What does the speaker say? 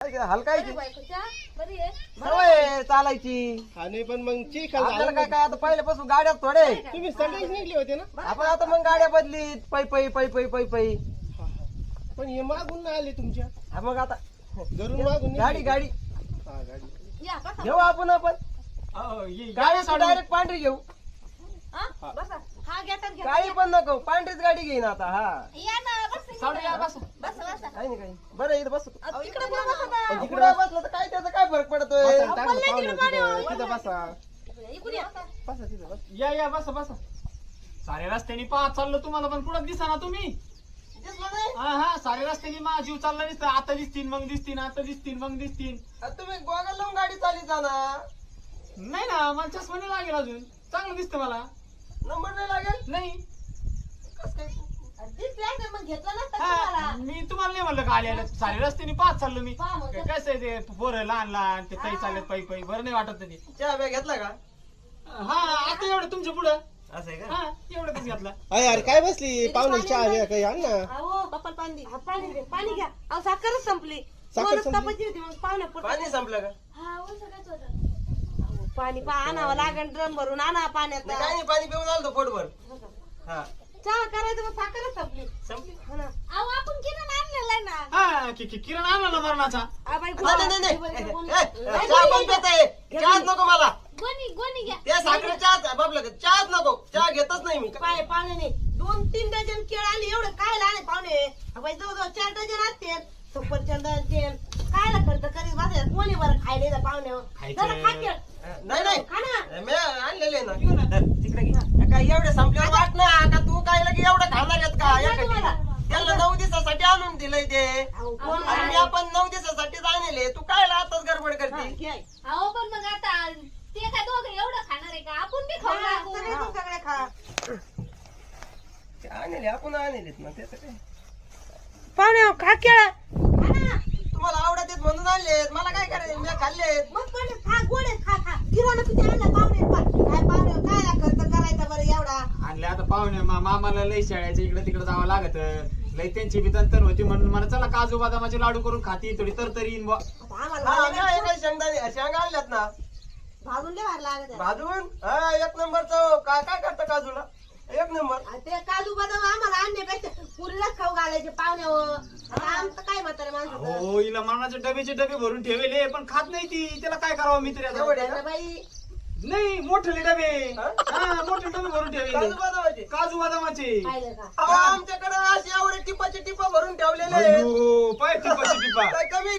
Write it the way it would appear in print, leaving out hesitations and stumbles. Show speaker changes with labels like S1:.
S1: हलकायची
S2: बरी आहे
S1: सवय चालायची.
S3: आणि पण मग चिखल
S1: आपल्याला
S3: झालं
S1: काय काय आता पहिल्यापासून गाड्या थोडे
S3: तुम्ही सगळेच निघले होते ना.
S1: आपण आता मग गाड्या बदलीत पै पै पै पै पै पै.
S3: हा, हा. पण हे मागून नाही आले तुमच्या
S1: हा मग आता
S3: घरून मागून
S1: गाडी
S3: निघले.
S1: गाडी
S3: हा, गाडी
S2: या बसा
S1: घेऊ आपण गाडी डायरेक्ट पांढरी घेऊ.
S2: हा बसा हा घेतात घ्या
S1: काळी पण नको पांढरीच गाडी घेईन आता. हा
S2: या ना बस बसा
S1: काही नाही काही बरं इथं बस.
S2: तिकडे पण बसा ना
S1: इकडे बसलं तर काय त्याचा काय फरक पडतोय.
S3: बसा, टाकलं पाहुणे तिथं तिथं बसा.
S2: इकडे या.
S3: बसा तिथं बस.
S4: या बसा सारे रस्त्याने पाहत चाललो तुम्हाला पण कुठं दिसा ना तुम्ही.
S1: दिसलं नाही?
S4: हा सारे रस्त्याने मा जीव चालला दिसत आता दिसतील मग दिसतील आता दिसतील मग दिसतील.
S1: आता तुम्ही गोगल लावून गाडी चालली जाणार.
S4: नाही ना मला चष्मा नाही लागेल अजून चांगलं दिसतं मला.
S1: नंबर नाही लागेल
S4: नाही
S1: कस काय.
S2: दिसल्या तर मग घेतलं नसतं तुम्हाला
S4: हा, मी तुम्हाला नाही म्हणलं का आले सारे रस्त्याने पाहत चाललो मी.
S2: पहा मग.
S4: कसं आहे ते पोरं लहान लहान ते काही चालत पै पै बरं नाही वाटत ते.
S1: चहा बॅग घेतला का.
S4: हा आता एवढं तुमच्या पुढं
S1: असं आहे का.
S4: हा एवढंच घेतला.
S3: अरे यार काय बसली पाहुणे चहा घ्या काही आण ना.
S2: अहो पप्पाला पाणी दे पाणी दे पाणी घ्या अहो साखरच संपली
S3: साखर
S2: दोनच
S3: संपली?
S2: तापाची होती मग पाहुणे
S1: पाणी संपलं का.
S2: पाणी आणावं लागेल ड्रम भरून आणा पाण्यात
S1: नाही काही नाही पाणी पिऊन आलो पोटभर. हा
S2: चहा करायचं मग साखरच संपली
S1: संपली.
S2: हो ना अहो आपण किरण आणलेला आहे ना
S4: हा किरण आणला ना मरणाचा.
S2: बाई
S1: नाही चहा पण पिताय. चहाच नको मला.
S2: गोणी घ्या
S1: त्या साखर चहा बाबला चहाच नको. चहा घेतच नाही मी.
S2: पाय पाहुणे 2-3 डझन केळ आली एवढं काय लाणे पाहुणे बाई जवळजवळ 4 डझन असते सफरचंद तेल कायला खर्च करीत बसायला कोणी बरं खायले जा पाहुणे
S4: खायचं.
S2: जरा खा केळ.
S1: नाही नाही
S2: खा ना
S1: मी आणलेले ना. धर, तिकडे घे. काय एवढे संपल्यावर वाट ना का तू काय लगे एवढं खाणार आहेत का.
S2: नाही तुम्हाला.
S1: त्याला 9 दिवसासाठी आणून दिलंय ते.
S2: अहो, कोण
S1: आणि मी आपण 9 दिवसासाठीच आणले. तू काय आताच गडबड
S2: हा,
S1: करते.
S2: घे.
S5: अहो पण मग आता ते काय दोघं एवढं खाणार आहे का आपण बी खाऊ
S2: हा,
S5: लागू.
S2: सगळे तू सगळे खा
S1: ते आणले आपण आणलेत ना त्याचं काय.
S2: पाहुणे खा केळ खा ना
S1: तुम्हाला आवडत आहेत म्हणून आणलेत. मला काय करायचं मी खाल्लेत.
S2: मग पण खा गोड आहे, खा खा किराणा किती आणला पाहुणे काय पाहुणे काय खर्च करायचा बरं एवढा
S4: आणले आता पाहुणे मामाला लई शाळेच्या इकडे तिकडे जावं लागत लई त्यांची बी तंतर होती म्हणून मला चला काजू बदामाचे लाडू करून खाती थोडी तरतरी येईन बुवा.
S2: आता
S1: हा
S2: आम्हाला
S1: मी काही शेंगदाणे शेंगा आणल्यात ना
S2: भाजून दे भारी लागत आहे.
S1: भाजून. हा 1 नंबरचं काय काय करतं काजूला 1 नंबर.
S2: आणि ते काजू बदाम आम्हाला आणण्यापेक्षा पुरीलाच खाऊ घालायचे पाहुण्यावर आता आमचं काय म्हातारे माणसं
S4: हो हिला मरणाचे डबेचे डबे भरून ठेवले पण खात नाही ती त्याला काय करावं मी तरी आता?
S1: एवढे
S2: त्यांना
S1: ना?
S2: बाई
S4: नाही मोठे डबे
S1: हा?
S4: हा मोठे डबे भरून ठेवले
S1: काजू बदामाचे.
S4: काजू बदामाचे.
S2: पाहिलं का
S1: अहो आमच्याकडे असे एवढे टिपाचे टिपा भरून ठेवलेले आहेत.
S4: अयो, पाय टिपा टिपा
S1: काय कमी